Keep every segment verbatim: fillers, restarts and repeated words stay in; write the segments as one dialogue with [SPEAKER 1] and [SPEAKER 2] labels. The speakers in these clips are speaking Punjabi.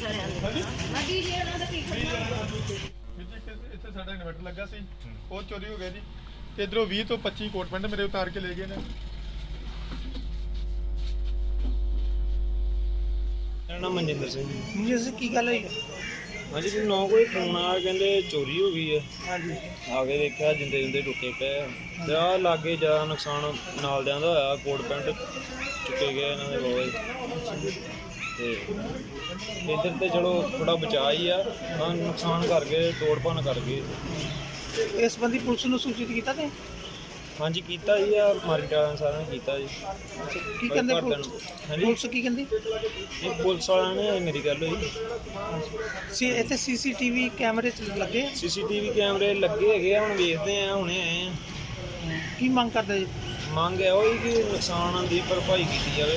[SPEAKER 1] ਇੱਥੇ ਸਾਡਾ ਇਨਵਰਟਰ ਲੱਗਾ ਸੀ, ਉਹ ਚੋਰੀ ਹੋ ਗਿਆ ਜੀ। ਤੇ ਇਧਰੋਂ ਵੀਹ ਤੋਂ ਪੱਚੀ ਕੋਟ ਪੈਂਟ ਮੇਰੇ ਉਤਾਰ ਕੇ ਲੈ ਗਏ ਨੇ।
[SPEAKER 2] ਮੇਰਾ ਨਾਮ ਮਨਜਿੰਦਰ ਸਿੰਘ ਜੀ।
[SPEAKER 3] ਮਨਜਿੰਦਰ ਸਿੰਘ ਕੀ ਗੱਲ ਹੋਈ?
[SPEAKER 2] ਹਾਂਜੀ ਜੀ ਨੌ ਕੋਈ ਫੋਨ ਆ ਕਹਿੰਦੇ ਚੋਰੀ ਹੋ ਗਈ ਹੈ।
[SPEAKER 3] ਹਾਂਜੀ
[SPEAKER 2] ਆ ਕੇ ਦੇਖਿਆ ਜਿੰਦੇ ਜਿੰਦੇ ਟੁੱਟੇ ਪਏ ਤੇ ਆ ਲਾਗੇ ਜ਼ਿਆਦਾ ਨੁਕਸਾਨ ਨਾਲ ਦਿਆਂ ਦਾ ਹੋਇਆ। ਕੋਟ ਪੈਂਟ ਚੁੱਕੇ ਗਏ ਇਹਨਾਂ ਦੇ ਬਹੁਤ ਤੇ ਇੱਧਰ ਤੇ ਚਲੋ ਥੋੜਾ ਬਚਾ ਹੀ ਆ, ਹਾਂ ਨੁਕਸਾਨ ਕਰ ਗਏ, ਤੋੜ ਭੰਨ ਕਰ ਗਏ।
[SPEAKER 3] ਇਸ ਸੰਬੰਧੀ ਪੁਲਿਸ ਨੂੰ ਸੂਚਿਤ ਕੀਤਾ ਤੇ
[SPEAKER 2] ਹਾਂਜੀ ਕੀਤਾ ਜੀ ਆ ਮਾਰਕੀਟ ਵਾਲਿਆਂ ਸਾਰਿਆਂ ਨੇ ਕੀਤਾ ਜੀ।
[SPEAKER 3] ਕੀ ਕਹਿੰਦੇ ਪੁਲਿਸ?
[SPEAKER 2] ਹਾਂਜੀ
[SPEAKER 3] ਪੁਲਿਸ ਕੀ ਕਹਿੰਦੀ?
[SPEAKER 2] ਇਹ ਪੁਲਿਸ ਵਾਲਿਆਂ ਨੇ ਮੇਰੀ ਗੱਲ ਹੋਈ
[SPEAKER 3] ਸੀ ਇੱਥੇ ਸੀਸੀਟੀਵੀ ਕੈਮਰੇ ਚ ਲੱਗੇ?
[SPEAKER 2] ਸੀਸੀਟੀਵੀ ਕੈਮਰੇ ਲੱਗੇ ਹੈਗੇ ਆ, ਹੁਣ ਵੇਖਦੇ ਆ, ਹੁਣੇ ਆਏ ਆ।
[SPEAKER 3] ਕੀ ਮੰਗ ਕਰਦੇ ਜੀ?
[SPEAKER 2] ਮੰਗ ਹੈ ਉਹੀ ਕਿ ਨੁਕਸਾਨ ਦੀ ਭਰਪਾਈ ਕੀਤੀ ਜਾਵੇ।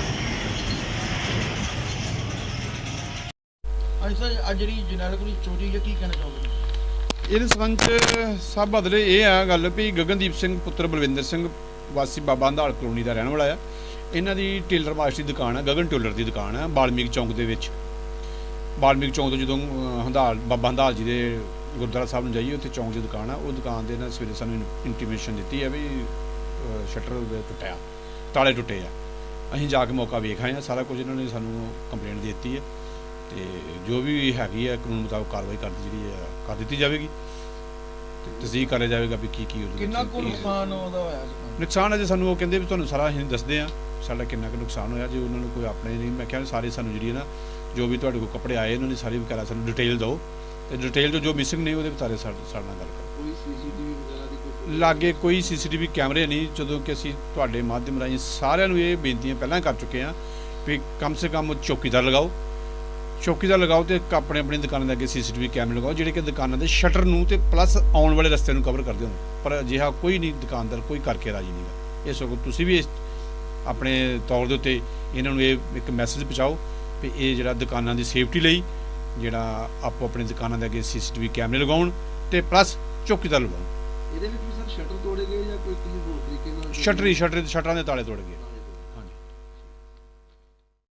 [SPEAKER 4] ਅੱਜ ਸਰ ਅੱਜ ਜਿਹੜੀ ਜਰਨੈਲ ਕੋਲ ਚੋਰੀ ਹੈ, ਕੀ ਕਹਿਣਾ ਚਾਹੋਗੇ?
[SPEAKER 5] ਇਹਦੇ ਸੰਬੰਧ 'ਚ ਸਭ ਬਦਲੇ ਇਹ ਆ ਗੱਲ ਵੀ ਗਗਨਦੀਪ ਸਿੰਘ ਪੁੱਤਰ ਬਲਵਿੰਦਰ ਸਿੰਘ ਵਾਸੀ ਬਾਬਾ ਹੰਦਾਲ ਕਲੋਨੀ ਦਾ ਰਹਿਣ ਵਾਲਾ ਆ। ਇਹਨਾਂ ਦੀ ਟੇਲਰ ਮਾਸਟਰ ਦੀ ਦੁਕਾਨ ਆ, ਗਗਨ ਟੇਲਰ ਦੀ ਦੁਕਾਨ ਆ ਬਾਲਮੀਕ ਚੌਂਕ ਦੇ ਵਿੱਚ। ਬਾਲਮੀਕ ਚੌਂਕ ਤੋਂ ਜਦੋਂ ਹੰਦਾਲ ਬਾਬਾ ਹੰਦਾਲ ਜੀ ਦੇ ਗੁਰਦੁਆਰਾ ਸਾਹਿਬ ਨੂੰ ਜਾਈਏ, ਉੱਥੇ ਚੌਂਕ ਦੀ ਦੁਕਾਨ ਆ। ਉਹ ਦੁਕਾਨ ਦੇ ਨਾਲ ਸਵੇਰੇ ਸਾਨੂੰ ਇੰਟੀਮੇਸ਼ਨ ਦਿੱਤੀ ਆ ਵੀ ਸ਼ਟਰ ਟੁੱਟਿਆ, ਤਾਲੇ ਟੁੱਟੇ ਆ। ਅਸੀਂ ਜਾ ਕੇ ਮੌਕਾ ਵੇਖ ਆਏ ਆ, ਸਾਰਾ ਕੁਝ ਇਹਨਾਂ ਨੇ ਸਾਨੂੰ ਕੰਪਲੇਂਟ ਦੇ ਦਿੱਤੀ ਹੈ ਤੇ ਜੋ ਵੀ ਹੈਗੀ ਹੈ ਕਾਨੂੰਨ ਮੁਤਾਬਕ ਕਾਰਵਾਈ ਕਰ ਜਿਹੜੀ ਹੈ ਕਰ ਦਿੱਤੀ ਜਾਵੇਗੀ ਤੇ ਤਸਦੀਕ ਕਰਿਆ ਜਾਵੇਗਾ ਵੀ ਕੀ ਕੀ ਉਹਦੇ
[SPEAKER 4] ਕਿੰਨਾ ਕੁ ਨੁਕਸਾਨ ਉਹਦਾ ਹੋਇਆ?
[SPEAKER 5] ਨੁਕਸਾਨ ਅਜੇ ਸਾਨੂੰ ਉਹ ਕਹਿੰਦੇ ਵੀ ਤੁਹਾਨੂੰ ਸਾਰਾ ਅਸੀਂ ਦੱਸਦੇ ਆ ਸਾਡਾ ਕਿੰਨਾ ਕੁ ਨੁਕਸਾਨ ਹੋਇਆ। ਜੇ ਉਹਨਾਂ ਨੂੰ ਕੋਈ ਆਪਣੇ ਨਹੀਂ, ਮੈਂ ਕਿਹਾ ਸਾਰੇ ਸਾਨੂੰ ਜਿਹੜੀ ਹੈ ਨਾ ਜੋ ਵੀ ਤੁਹਾਡੇ ਕੋਲ ਕੱਪੜੇ ਆਏ ਉਹਨਾਂ ਦੀ ਸਾਰੀ ਵਗੈਰਾ ਸਾਨੂੰ ਡਿਟੇਲ ਦਿਓ ਤੇ ਡਿਟੇਲ ਤੋਂ ਜੋ ਮਿਸਿੰਗ ਨਹੀਂ ਉਹਦੇ ਬਾਰੇ ਸਾਡੇ ਸਾਡੇ ਨਾਲ ਗੱਲ ਕਰੋ।
[SPEAKER 4] ਕੋਈ ਸੀਸੀਟੀਵੀ ਵਗੈਰਾ ਦੀ ਕੋਈ
[SPEAKER 5] ਲਾਗੇ ਕੋਈ ਸੀਸੀਟੀਵੀ ਕੈਮਰੇ ਨਹੀਂ। ਜਦੋਂ ਕਿ ਅਸੀਂ ਤੁਹਾਡੇ ਮਾਧਿਅਮ ਰਾਹੀਂ ਸਾਰਿਆਂ ਨੂੰ ਇਹ ਬੇਨਤੀਆਂ ਪਹਿਲਾਂ ਕਰ ਚੁੱਕੇ ਹਾਂ ਵੀ ਕਮ ਸੇ ਕਮ ਚੌਕੀਦਾਰ ਲਗਾਓ, ਚੌਕੀਦਾਰ ਲਗਾਓ ਤੇ ਆਪਣੇ ਆਪਣੀ ਦੁਕਾਨਾਂ ਦੇ ਅੱਗੇ ਸੀਸੀਟੀਵੀ ਕੈਮਰੇ ਲਗਾਓ ਜਿਹੜੇ ਕਿ ਦੁਕਾਨਾਂ ਦੇ ਸ਼ਟਰ ਨੂੰ ਤੇ ਪਲੱਸ ਆਉਣ ਵਾਲੇ ਰਸਤੇ ਨੂੰ ਕਵਰ ਕਰਦੇ ਹੋਣ। ਪਰ ਅਜਿਹਾ ਕੋਈ ਨਹੀਂ ਦੁਕਾਨਦਾਰ ਕੋਈ ਕਰਕੇ ਰਾਜੀ ਨਹੀਂ ਗਾ। ਇਸ ਵਕਤ ਤੁਸੀਂ ਵੀ ਆਪਣੇ ਤੌਰ ਦੇ ਉੱਤੇ ਇਹਨਾਂ ਨੂੰ ਇਹ ਇੱਕ ਮੈਸੇਜ ਪਹੁੰਚਾਓ ਵੀ ਇਹ ਜਿਹੜਾ ਦੁਕਾਨਾਂ ਦੀ ਸੇਫਟੀ ਲਈ ਜਿਹੜਾ ਆਪੋ ਆਪਣੀ ਦੁਕਾਨਾਂ ਦੇ ਅੱਗੇ ਸੀਸੀਟੀਵੀ ਕੈਮਰੇ ਲਗਾਉਣ ਤੇ ਪਲੱਸ ਚੌਕੀਦਾਰ ਲਗਾਉਣ।
[SPEAKER 4] ਇਹਦੇ ਵਿੱਚ ਵੀ ਸਰ ਸ਼ਟਰ ਤੋੜੇ ਗਏ ਜਾਂ ਕੋਈ ਕਿਸੇ ਹੋਰ ਤਰੀਕੇ ਨਾਲ?
[SPEAKER 5] ਸ਼ਟਰੀ ਸ਼ਟਰ ਸ਼ਟਰਾਂ ਦੇ ਤਾਲੇ ਤੋੜ ਗਏ।